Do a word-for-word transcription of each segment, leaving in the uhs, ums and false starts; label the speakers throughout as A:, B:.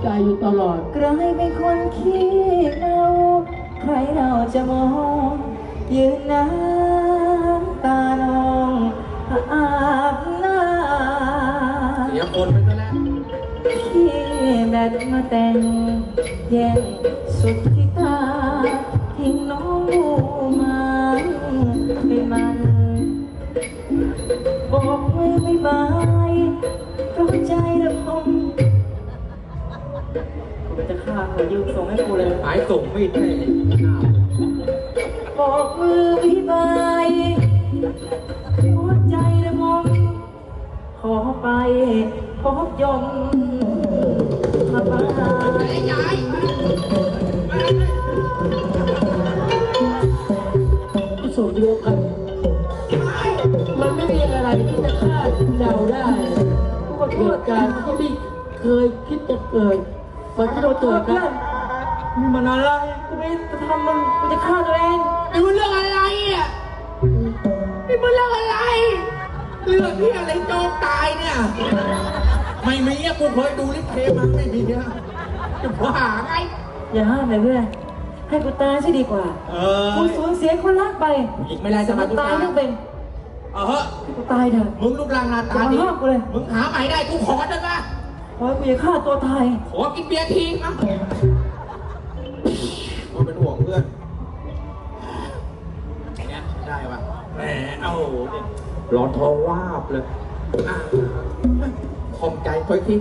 A: ใจอยู่ตลอด
B: กลายเป็นคนขี้เมาใครเราจะมองยืนน้ำตานองอาบน้ำ
C: เสียคนไปซะแล้ว
B: พี่แบดมาแต่งแย่งสุดที่ตาทิ้งน้องมาเป็นมันบอกมือไม่บายเพราะใจละคงกูจะฆ่าเขายืมส่งให้กูเลย
C: หายส่งไม่ได้
B: บอกมือไม่บายหัวใจละมงขอไปพบยมมาบ้าน
A: สูตรเดียวกันมันไม่มีอะไรที่จะคาดเดาได้ว่าเหตุการณ์ที่เคยคิดจะเกิดมันก็เกิดนะ
B: มีมันอะไรกูไม่จะทำมันกูจะฆ่าตัวเอง
C: นี่มันเรื่องอะไรอ่ะนี่มันเรื่องอะไรเรื่องที่อะไรโจมตายเนี่ยไม่มีอ่ะกูเคยดูลิเกมาไม่มีเนี่ยจะว่าไง
B: อย่าห้ามเลยเพื่อนให้กูตายซะดีกว่า
C: เออ
B: กูสูญเสียคนรักไป
C: อีกไม่ได้จะมา
B: ตายไม่เป็น
C: เออเฮ้ย
B: กูตายเถอะ
C: มึงรูปร่างหน้าตาดีมึงหาใหม่ได้กูขอได้ปะ
B: ขอกูอย่าฆ่าตัวตาย
C: ขอกินเบียร์ทีมั้งก็เป็นห่วงเพื่อนเนี่ยได้ปะแหมเอาเนี่ยร้อนท้องวาบเลยคอมใจค่อยที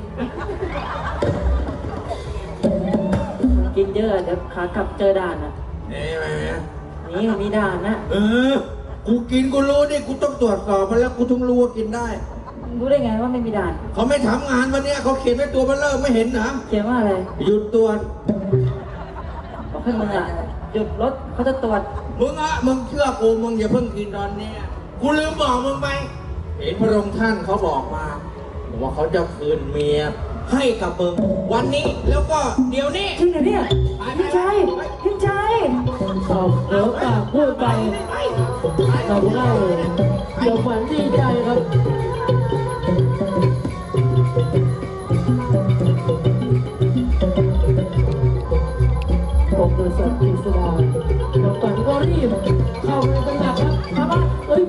B: กินเยอะเดี๋ยวขากลับเจอด่านนะ
C: นี่ไหม
B: นี่มีด่านนะ
C: เออกูกินกูรู้ดิกูต้องตรวจสอบมาแล้วกูถึงรู้ว่ากินได้
B: รู้ได้ไงว่าไม่มีด่าน
C: เขาไม่ทำงานวันนี้เขาเขียนไว้ตัวมันเริ่มไม่เห็นนะ
B: เขียนว่าอะไร
C: หยุดตรวจ
B: บอกให้มึงอ่ะหยุดรถเขาจะตรวจ
C: มึงอ่ะมึงเชื่อกูมึงอย่าเพิ่งกินตอนนี้กูลืมบอกมึงไปเห็นพระองค์ท่านเขาบอกมาบอกว่าเขาจะคืนเมียให้กับมึงวันนี้แล้วก็เดี๋ยวนี้
B: จริงเหรอเนี่ยพิชัยพิชัย
A: ตอบเดี๋ยวปากพูดไปทำได้เลยเดี๋ยวฝันดีใจครับผมคือสัตว์กิษดาเดี๋ยวฝันก็รีบเข้าไปตำหนักครับครับเฮ้ย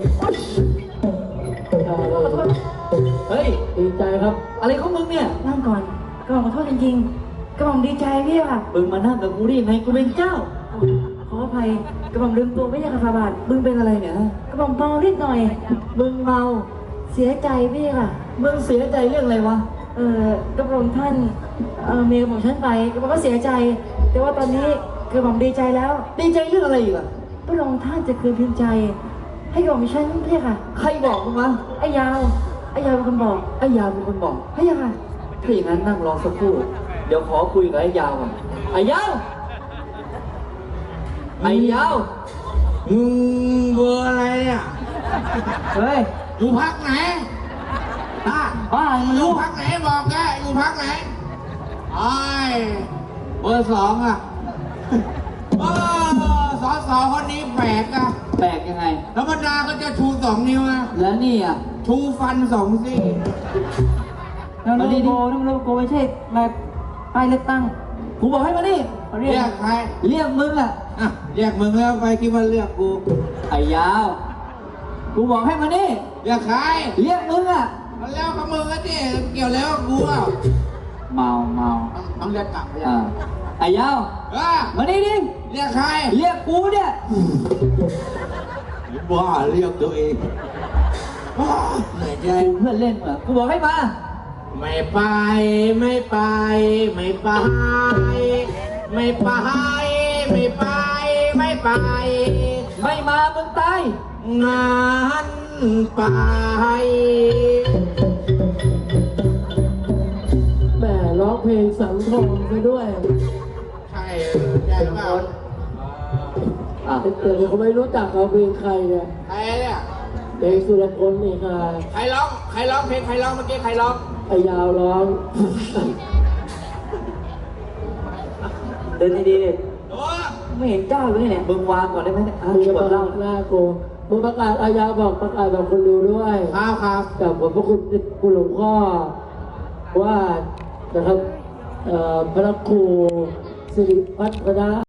A: เฮ้ยดีใจครับอะไรของมึงเนี่ย
B: นั่งก่อนกระหม่อมขอโทษจริงๆกระหม่อมดีใจพี่ว่ะ
A: มึงมานั่งกับกูได้ยังไงกูเป็นเจ้า
B: ขออภัยกระหม่อมลืมตัวไม่ใช่คาฟาบาท
A: มึงเป็นอะไรเนี่ย
B: กระหม่อมเมานิดหน่อย
A: มึงเมา
B: เสียใจพี่ค่ะ
A: มึงเสียใจเรื่องอะไรวะ
B: เออกระหม่อมท่านเออเมียกระหม่อมฉันไปกระหม่อมก็เสียใจแต่ว่าตอนนี้กระหม่อมดีใจแล้ว
A: ดีใจเรื่องอะไรอีกอะ
B: พระองค์ท่านจะคืนพิมพ์ใจให้กระหม่อมฉันพี่ค่ะ
A: ใครบอกมึงวะ
B: ไอ้ยาวไอ้ยาวเป็นคนบอก
A: ไอ้ยาวเป็นคนบอก
B: พี่ค่ะ
A: ถ้าอย่างนั้นนั่งรอสักครู่เดี๋ยวขอคุยกับไอ้ยาวก่อนไอ้ยาวไอ้ยาว
C: มึงเบอร์อะไรอ่ะ
B: เฮ้ย
C: อยู่พักไหนอ่ะ
B: บ้ามึง
C: อยู่พักไหนบอกแกอยู่พักไหนไอ้เบอร์สองอ่ะเออสอสอคนนี้แปลกอ่ะ
A: แปลกยังไง
C: ธรรมดาก็จะชูสองนิ้วนะ
A: แล้วนี่อ่ะ
C: ชูฟันสองซี่
B: แล้วโลโก้นั่นโลโก้ไม่ใช่แบบป้ายเลือกตั้ง
A: กูบอกให้มาดิ
C: เรียกใคร
A: เรียกมึงอ่ะ
C: อ่ะเรียกมึงแล้วไปคิดว่าเรียกกู
A: ไอ้ยาวกูบอกให้มาดิ
C: เรียกใคร
A: เรียกมึงอ่ะ
C: มันแล้วกับมึงอ่ะดิเกี่ยวแล้วกูอ่ะ
A: เมาเมา
C: ต้องเรียกกลับ
A: อ่าไอ้ยาวมาดิดิ
C: เรียกใคร
A: เรียกกูเนี่ย
C: บ้าเรียกตัวเองเหนื่อยใจ
A: เพื่อนเล่นเหรอกูบอกให้มา
C: ไม่ไปไม่ไปไม่ไปไม่ไปไม่ไปไม่ไป
A: ไม่มามึงตาย
C: งานไป
A: แม่ร้องเพลงสังทองไปด้วย
C: ใช่ใช่เปล่า
A: อ่ะเตือนเขาไม่รู้จักเขาเพลงใครเนี่ย
C: ใครเนี่ย
A: เพลงสุรพลนี่ค่ะ
C: ใครร้องใครร้องเพลงใครร้องเมื่อกี้ใครร้อง
A: ไอ้ยาวร้อง
B: เดินดีๆดิไม่เห็นเจ้าเลยเนี่ย
A: มึงวางก่อนได้ไหม
B: มึงจะบอกเล่า
A: หน้ากูมึงประกาศอายาบอกประกาศแบบคนดูด้วย
C: ครับครับ
A: กับผมพระคุณคุณหลวงพ่อว่านะครับเอ่อพระครูสิริพัฒนะ